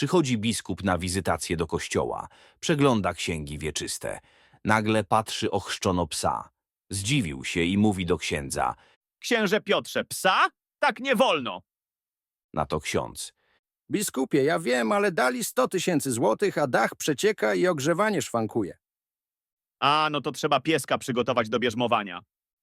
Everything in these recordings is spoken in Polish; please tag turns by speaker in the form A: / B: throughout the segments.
A: Przychodzi biskup na wizytację do kościoła. Przegląda księgi wieczyste. Nagle patrzy ochrzczono psa. Zdziwił się i mówi do księdza.
B: Księże Piotrze, psa? Tak nie wolno.
A: Na to ksiądz.
C: Biskupie, ja wiem, ale dali 100 000 złotych, a dach przecieka i ogrzewanie szwankuje.
B: A, no to trzeba pieska przygotować do bierzmowania.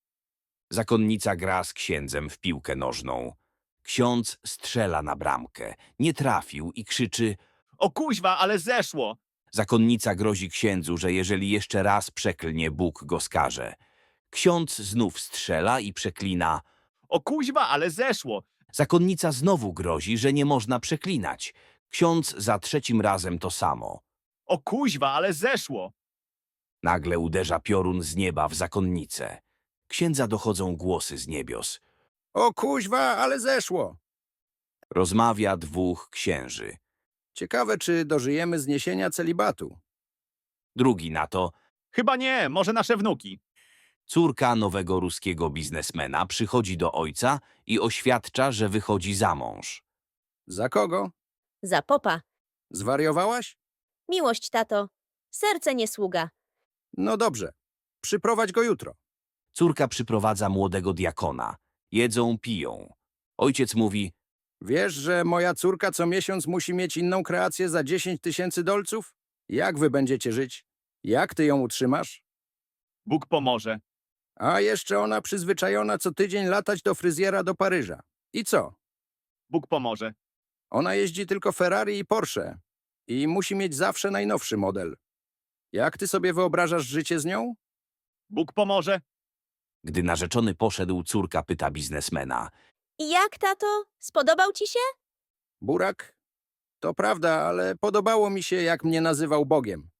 A: Zakonnica gra z księdzem w piłkę nożną. Ksiądz strzela na bramkę. Nie trafił i krzyczy.
B: O kuźwa, ale zeszło.
A: Zakonnica grozi księdzu, że jeżeli jeszcze raz przeklnie, Bóg go skaże. Ksiądz znów strzela i przeklina.
B: O kuźwa, ale zeszło.
A: Zakonnica znowu grozi, że nie można przeklinać. Ksiądz za trzecim razem to samo.
B: O kuźwa, ale zeszło.
A: Nagle uderza piorun z nieba w zakonnicę. Księdza dochodzą głosy z niebios.
C: O kuźwa, ale zeszło.
A: Rozmawia dwóch księży.
C: Ciekawe, czy dożyjemy zniesienia celibatu.
A: Drugi na to.
B: Chyba nie, może nasze wnuki.
A: Córka nowego ruskiego biznesmena przychodzi do ojca i oświadcza, że wychodzi za mąż.
C: Za kogo?
D: Za popa.
C: Zwariowałaś?
D: Miłość, tato. Serce nie sługa.
C: No dobrze. Przyprowadź go jutro.
A: Córka przyprowadza młodego diakona. Jedzą, piją. Ojciec mówi.
C: Wiesz, że moja córka co miesiąc musi mieć inną kreację za 10 000 dolców? Jak wy będziecie żyć? Jak ty ją utrzymasz?
B: Bóg pomoże.
C: A jeszcze ona przyzwyczajona co tydzień latać do fryzjera do Paryża. I co?
B: Bóg pomoże.
C: Ona jeździ tylko Ferrari i Porsche. I musi mieć zawsze najnowszy model. Jak ty sobie wyobrażasz życie z nią?
B: Bóg pomoże.
A: Gdy narzeczony poszedł, córka pyta biznesmena.
D: I jak, tato? Spodobał ci się?
C: Burak? To prawda, ale podobało mi się, jak mnie nazywał Bogiem.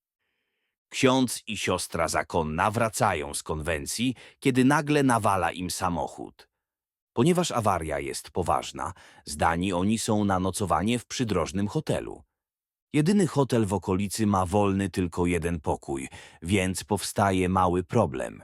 A: Ksiądz i siostra zakonna wracają z konwencji, kiedy nagle nawala im samochód. Ponieważ awaria jest poważna, zdani oni są na nocowanie w przydrożnym hotelu. Jedyny hotel w okolicy ma wolny tylko jeden pokój, więc powstaje mały problem.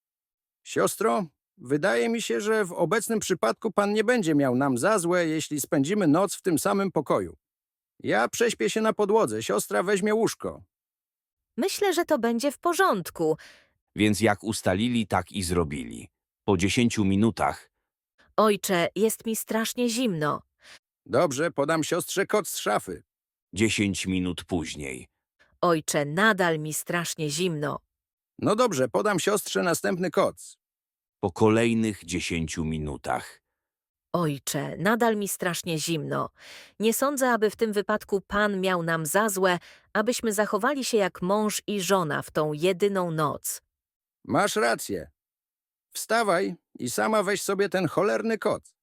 C: Siostro, wydaje mi się, że w obecnym przypadku pan nie będzie miał nam za złe, jeśli spędzimy noc w tym samym pokoju. Ja prześpię się na podłodze, siostra weźmie łóżko.
D: Myślę, że to będzie w porządku.
A: Więc jak ustalili, tak i zrobili. Po 10 minutach
D: Ojcze, jest mi strasznie zimno.
C: Dobrze, podam siostrze koc z szafy.
A: 10 minut później.
D: Ojcze, nadal mi strasznie zimno.
C: No dobrze, podam siostrze następny koc.
A: Po kolejnych 10 minutach.
D: Ojcze, nadal mi strasznie zimno. Nie sądzę, aby w tym wypadku Pan miał nam za złe, abyśmy zachowali się jak mąż i żona w tą jedyną noc.
C: Masz rację. Wstawaj i sama weź sobie ten cholerny koc.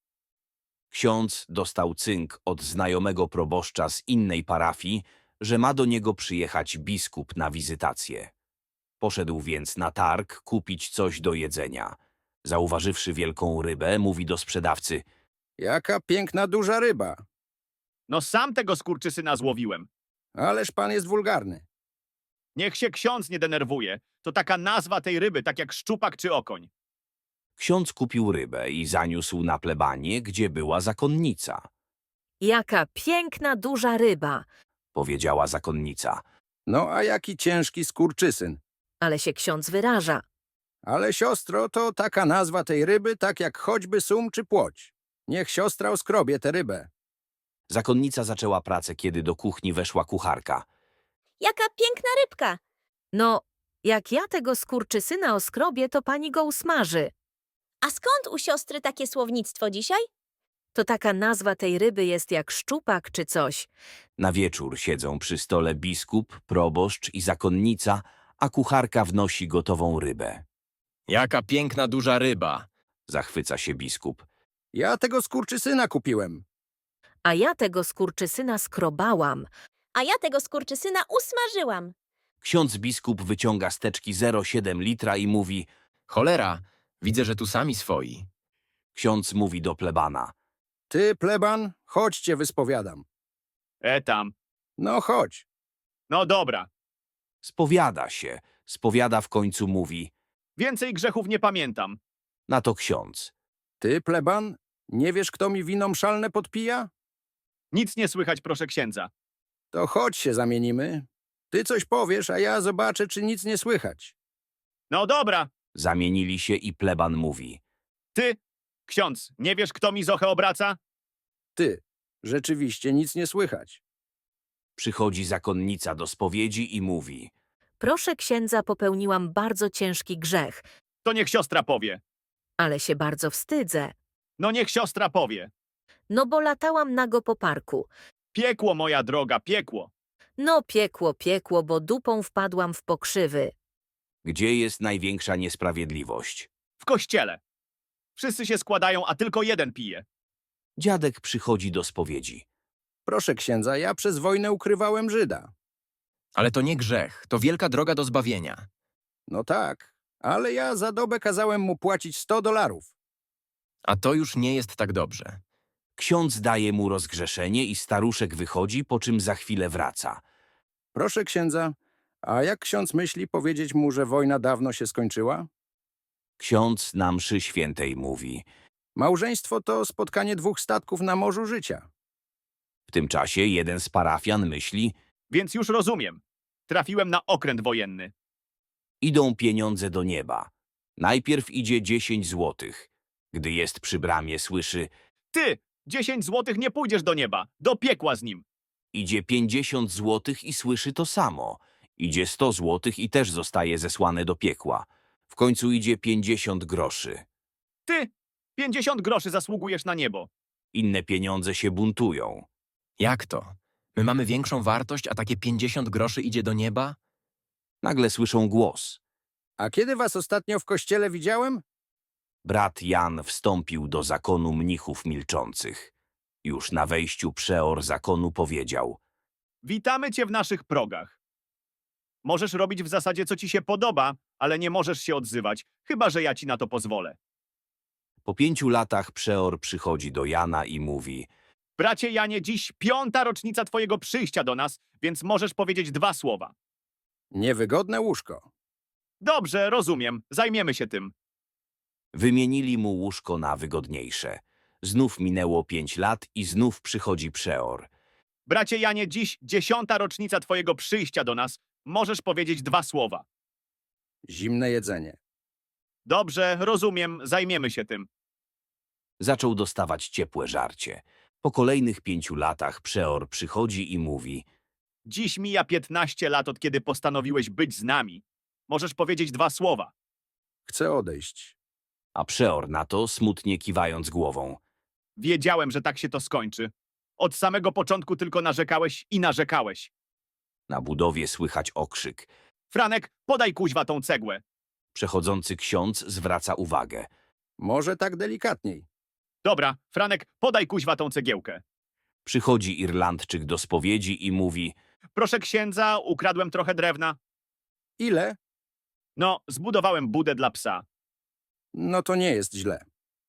A: Ksiądz dostał cynk od znajomego proboszcza z innej parafii, że ma do niego przyjechać biskup na wizytację. Poszedł więc na targ kupić coś do jedzenia. Zauważywszy wielką rybę, mówi do sprzedawcy.
C: Jaka piękna duża ryba.
B: No sam tego skurczysyna złowiłem.
C: Ależ pan jest wulgarny.
B: Niech się ksiądz nie denerwuje. To taka nazwa tej ryby, tak jak szczupak czy okoń.
A: Ksiądz kupił rybę i zaniósł na plebanię, gdzie była zakonnica.
D: Jaka piękna, duża ryba!
A: Powiedziała zakonnica.
C: No a jaki ciężki skurczysyn.
D: Ale się ksiądz wyraża.
C: Ale siostro, to taka nazwa tej ryby, tak jak choćby sum czy płoć. Niech siostra oskrobie tę rybę.
A: Zakonnica zaczęła pracę, kiedy do kuchni weszła kucharka.
D: Jaka piękna rybka! No, jak ja tego skurczysyna oskrobię, to pani go usmaży.
E: A skąd u siostry takie słownictwo dzisiaj?
D: To taka nazwa tej ryby jest jak szczupak czy coś.
A: Na wieczór siedzą przy stole biskup, proboszcz i zakonnica, a kucharka wnosi gotową rybę.
F: Jaka piękna duża ryba!
A: Zachwyca się biskup.
C: Ja tego skurczysyna kupiłem.
D: A ja tego skurczysyna skrobałam.
E: A ja tego skurczysyna usmażyłam.
A: Ksiądz biskup wyciąga z teczki 0,7 litra i mówi.
F: Cholera, widzę, że tu sami swoi.
A: Ksiądz mówi do plebana.
C: Ty, pleban, chodź cię wyspowiadam.
B: Tam.
C: No chodź.
B: No dobra.
A: Spowiada się. Spowiada w końcu mówi.
B: Więcej grzechów nie pamiętam.
A: Na to ksiądz.
C: Ty, pleban, nie wiesz, kto mi wino mszalne podpija?
B: Nic nie słychać, proszę księdza.
C: To chodź się zamienimy. Ty coś powiesz, a ja zobaczę, czy nic nie słychać.
B: No dobra,
A: Zamienili się i pleban mówi.
B: ty, ksiądz, nie wiesz, kto mi zochę obraca?
C: Ty, rzeczywiście nic nie słychać.
A: Przychodzi zakonnica do spowiedzi i mówi.
D: Proszę księdza, popełniłam bardzo ciężki grzech,
B: To niech siostra powie.
D: ale się bardzo wstydzę.
B: No niech siostra powie.
D: No bo latałam nago po parku.
B: Piekło, moja droga, piekło.
D: No piekło, piekło, bo dupą wpadłam w pokrzywy.
A: Gdzie jest największa niesprawiedliwość?
B: W kościele. Wszyscy się składają, a tylko jeden pije.
A: Dziadek przychodzi do spowiedzi.
C: Proszę księdza, ja przez wojnę ukrywałem Żyda.
F: Ale to nie grzech, to wielka droga do zbawienia.
C: No tak, ale ja za dobę kazałem mu płacić $100.
F: A to już nie jest tak dobrze.
A: Ksiądz daje mu rozgrzeszenie i staruszek wychodzi, po czym za chwilę wraca.
C: Proszę księdza, a jak ksiądz myśli powiedzieć mu, że wojna dawno się skończyła?
A: Ksiądz na mszy świętej mówi.
C: Małżeństwo to spotkanie dwóch statków na morzu życia.
A: W tym czasie jeden z parafian myśli,
B: Więc już rozumiem. Trafiłem na okręt wojenny.
A: idą pieniądze do nieba. Najpierw idzie 10 złotych. Gdy jest przy bramie, słyszy,
B: Ty, 10 złotych nie pójdziesz do nieba. Do piekła z nim.
A: idzie 50 złotych i słyszy to samo. Idzie 100 złotych i też zostaje zesłane do piekła. W końcu idzie 50 groszy.
B: Ty, 50 groszy zasługujesz na niebo.
A: Inne pieniądze się buntują.
F: Jak to? My mamy większą wartość, a takie 50 groszy idzie do nieba?
A: Nagle słyszą głos.
C: A kiedy was ostatnio w kościele widziałem?
A: Brat Jan wstąpił do zakonu mnichów milczących. Już na wejściu przeor zakonu powiedział.
B: Witamy cię w naszych progach. Możesz robić w zasadzie, co ci się podoba, ale nie możesz się odzywać, chyba że ja ci na to pozwolę.
A: Po 5 latach przeor przychodzi do Jana i mówi.
B: Bracie Janie, dziś 5. rocznica twojego przyjścia do nas, więc możesz powiedzieć 2 słowa.
C: Niewygodne łóżko.
B: Dobrze, rozumiem. Zajmiemy się tym.
A: Wymienili mu łóżko na wygodniejsze. Znów minęło 5 lat i znów przychodzi przeor.
B: Bracie Janie, dziś 10. rocznica twojego przyjścia do nas. Możesz powiedzieć 2 słowa.
C: Zimne jedzenie.
B: Dobrze, rozumiem. Zajmiemy się tym.
A: Zaczął dostawać ciepłe żarcie. Po kolejnych 5 latach przeor przychodzi i mówi.
B: Dziś mija 15 lat, od kiedy postanowiłeś być z nami. Możesz powiedzieć 2 słowa.
C: Chcę odejść.
A: A przeor na to, smutnie kiwając głową.
B: Wiedziałem, że tak się to skończy. Od samego początku tylko narzekałeś i narzekałeś.
A: Na budowie słychać okrzyk.
B: Franek, podaj kuźwa tą cegłę.
A: Przechodzący ksiądz zwraca uwagę.
C: Może tak delikatniej.
B: Dobra, Franek, podaj kuźwa tą cegiełkę.
A: Przychodzi Irlandczyk do spowiedzi i mówi.
B: Proszę księdza, ukradłem trochę drewna.
C: Ile?
B: No, zbudowałem budę dla psa.
C: No to nie jest źle.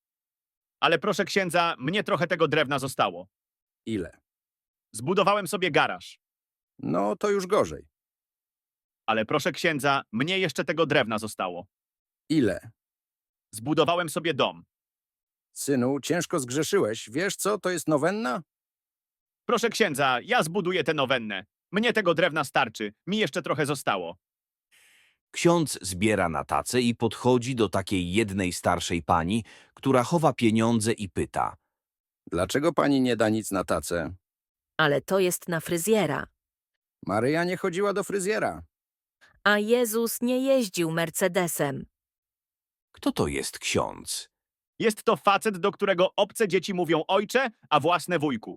B: Ale proszę księdza, mnie trochę tego drewna zostało.
C: Ile?
B: Zbudowałem sobie garaż.
C: No to już gorzej.
B: Ale proszę księdza, mnie jeszcze tego drewna zostało.
C: Ile?
B: Zbudowałem sobie dom.
C: Synu, ciężko zgrzeszyłeś. Wiesz co, to jest nowenna?
B: Proszę księdza, ja zbuduję tę nowennę. Mnie tego drewna starczy, mi jeszcze trochę zostało.
A: Ksiądz zbiera na tacę i podchodzi do takiej jednej starszej pani, która chowa pieniądze i pyta.
C: Dlaczego pani nie da nic na tacę?
D: Ale to jest na fryzjera.
C: Maryja nie chodziła do fryzjera.
D: A Jezus nie jeździł Mercedesem.
A: Kto to jest ksiądz?
B: Jest to facet, do którego obce dzieci mówią ojcze, a własne wujku.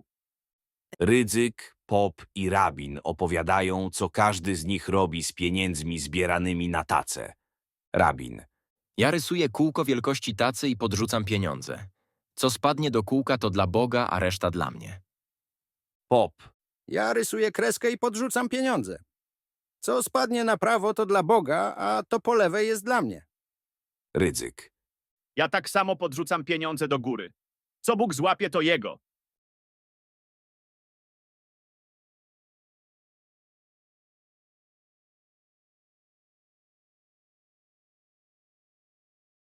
A: Rydzyk, Pop i Rabin opowiadają, co każdy z nich robi z pieniędzmi zbieranymi na tacę. Rabin.
F: Ja rysuję kółko wielkości tacy i podrzucam pieniądze. Co spadnie do kółka, to dla Boga, a reszta dla mnie.
A: Pop.
C: Ja rysuję kreskę i podrzucam pieniądze. Co spadnie na prawo, to dla Boga, a to po lewej jest dla mnie.
A: Rydzyk.
B: Ja tak samo podrzucam pieniądze do góry. Co Bóg złapie, to jego.